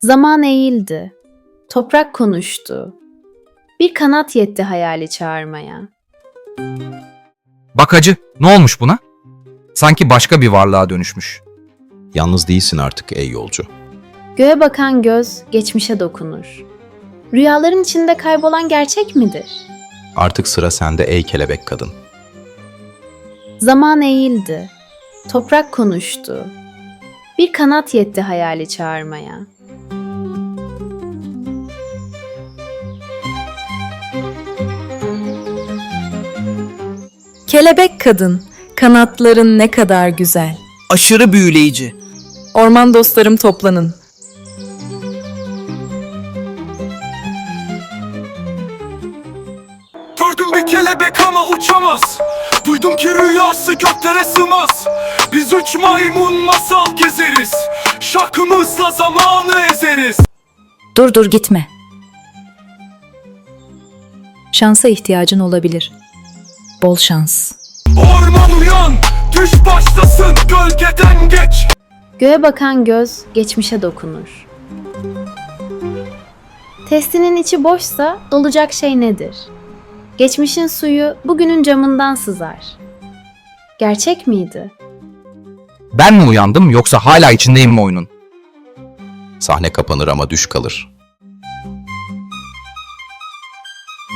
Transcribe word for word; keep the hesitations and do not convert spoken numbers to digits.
Zaman eğildi. Toprak konuştu. Bir kanat yetti hayali çağırmaya. Bak hacı, ne olmuş buna? Sanki başka bir varlığa dönüşmüş. Yalnız değilsin artık ey yolcu. Göğe bakan göz geçmişe dokunur. Rüyaların içinde kaybolan gerçek midir? Artık sıra sende ey kelebek kadın. Zaman eğildi. Toprak konuştu. Bir kanat yetti hayali çağırmaya. Kelebek kadın, kanatların ne kadar güzel. Aşırı büyüleyici. Orman dostlarım toplanın. Gördüm bir kelebek ama uçamaz. Duydum ki rüyası göklere sığmaz. Biz üç maymun masal gezeriz. Şarkımızla zamanı ezeriz. Dur dur gitme. Şansa ihtiyacın olabilir. Bol şans. Orman uyan, düş başlasın, gölgeden geç. Göğe bakan göz geçmişe dokunur. Testinin içi boşsa dolacak şey nedir? Geçmişin suyu bugünün camından sızar. Gerçek miydi? Ben mi uyandım yoksa hala içindeyim mi oyunun? Sahne kapanır ama düş kalır.